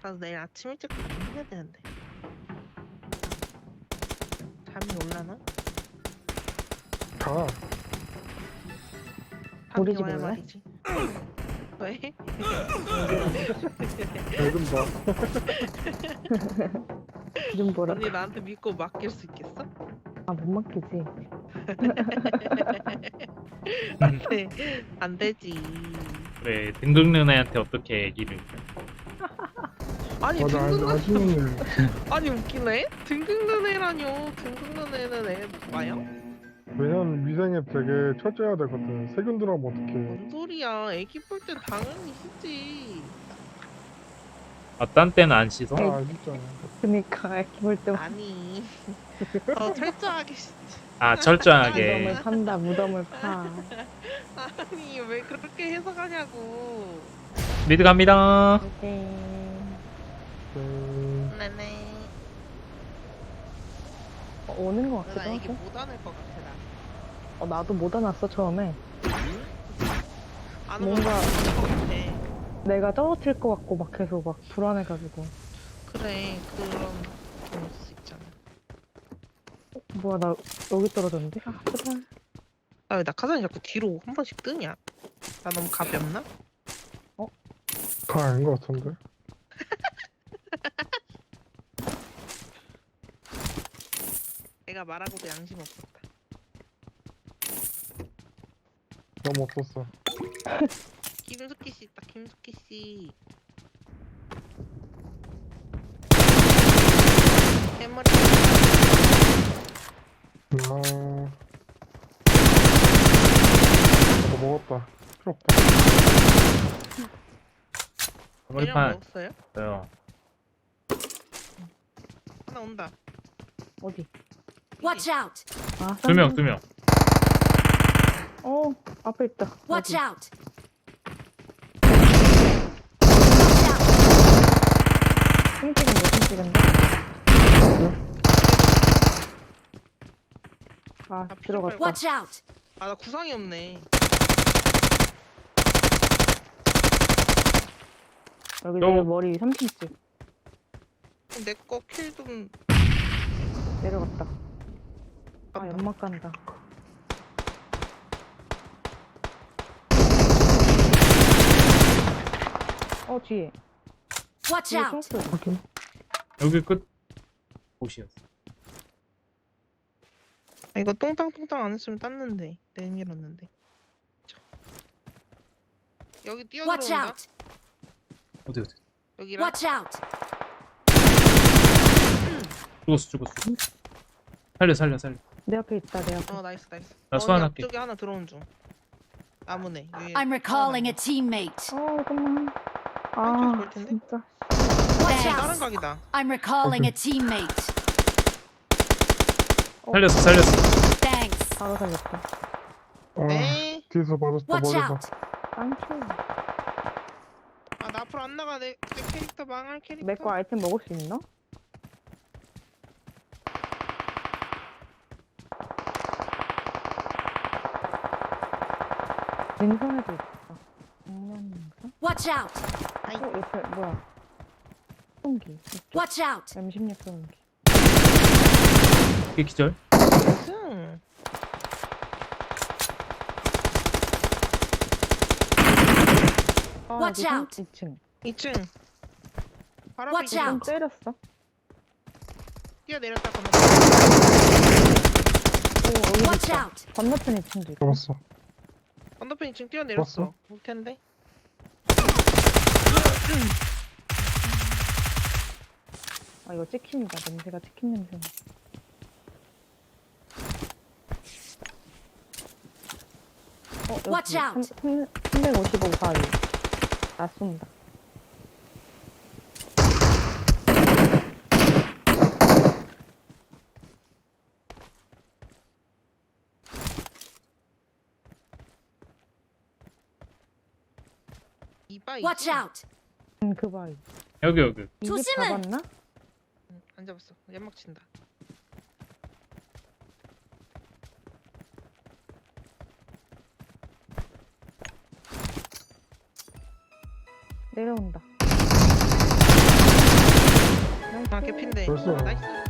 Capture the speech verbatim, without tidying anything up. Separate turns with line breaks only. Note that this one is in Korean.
가서 내일 아침 일찍 해야 되는데. 잠이 올라나?
가.
잠이
우리 집
와야
올래?
말이지. 왜?
배금 봐.
좀 뭐라.
언니 나한테 믿고 맡길 수 있겠어?
아, 못 맡기지.
안돼, 안 되지.
왜 등극는 애한테 어떻게 얘기를
아니
맞아,
등극는
아줌마는
아니 웃기네. 등극는 애라뇨. 등극는 애는 애 봐요?
왜냐면 미생에 되게 철저해야 되거든. 세균 들어가면 어떡해.
뭔 소리야? 애기 볼 땐 당연히 씻지.
아, 딴 때는 안 씻어?
아, 진짜.
그니까, 애기 볼 때
아니 더 철저하게 씻지.
아, 철저하게.
무덤을 판다, 무덤을 파.
아니 왜 그렇게 해석하냐고.
미드 갑니다.
오케이.
음,
네네.
어, 오는 것
나
같기도
애기
하고.
못 안을 것 같아 나.
어, 나도 못 안았어, 처음에.
안 오면
뭔가-
안것 같아.
내가 떨어질 것 같고, 막 계속 막 불안해가지고.
그래 그런 거 있을 수 있잖아.
어, 뭐야, 나 여기 떨어졌는데? 아, 제발.
나 왜 낙하산이 자꾸 뒤로 한 번씩 뜨냐? 나 너무 가볍나?
가 아닌 것 같은데.
내가 말하고도 양심 없었다.
너무 없었어.
김숙희 씨 있다. 김숙희 씨. 대머리.
아. 나도 먹었다. 필요 없다.
대령
머리판
먹었어요?
있어요.
하나 온다.
어디?
Watch out!
아,
두 명,
쌍둥이.
두 명.
어, 앞에 있다.
Watch
어디?
out!
핑 찍은데, 핑 찍은데? 아,
아,
들어갔다.
Watch out!
아 나 구상이 없네.
여기
또-
내 머리 삼 핀집
내 거 킬 좀.
내려갔다. 아,
간다.
연막 간다. 어, 뒤에.
Watch
뒤에
out!
총소리.
확인.
여기 끝. 옷이었어.
아, 이거 똥땅똥땅 안 했으면 땄는데 내밀었는데. 저. 여기
Watch
뛰어들어온다.
out!
어디, 어디.
여기랑.
Watch out!
죽었어, 죽었어. 살려, 살려, 살려.
내 앞에 있다, 내 앞에.
어 나이스 나이스.
나
어,
수환할게.
옆쪽에 하나 들어온 중. 나무네. 위에
I'm recalling a
하나
teammate.
어, 잠깐만.
왼쪽에서
아,
볼 텐데?
진짜.
Watch
남았네. 다른
out!
각이다.
I'm recalling a teammate.
살렸어, 살렸어.
Thanks.
바로 살렸다.
아,
네.
뒤에서 맞았다.
Watch
머리가.
out!
땡큐.
아 나 앞으로 안 나가. 내, 내 캐릭터 망할 캐릭터.
내 거 아이템 먹을 수 있나? 민선에도 있다. 장난인가?
Watch out!
어, 옆에 뭐야? 소음기. 이쪽.
Watch out!
엠 십육 소음기.
이게 기절?
응.
아,
Watch
여기
out.
이 층.
이 층. 바로
Watch
앞에
out.
좀 때렸어.
뛰어내렸다 건너.
오, 여기
Watch
있다.
out!
건너편 이 층도 있다.
잡았어.
건너편 이 층 뛰어내렸어.
봤어?
올 텐데.
아, 이거 치킨이다. 냄새가 치킨 냄새. 어, 여기
Watch out.
삼백오십오 가위. 나 쏜다.
이바
Watch out!
음, 그 바위.
여기, 여기.
이집
조심해.
잡았나?
응, 안 잡았어. 연막 친다.
내려온다.
아 개핀데.
벌써.
나이스.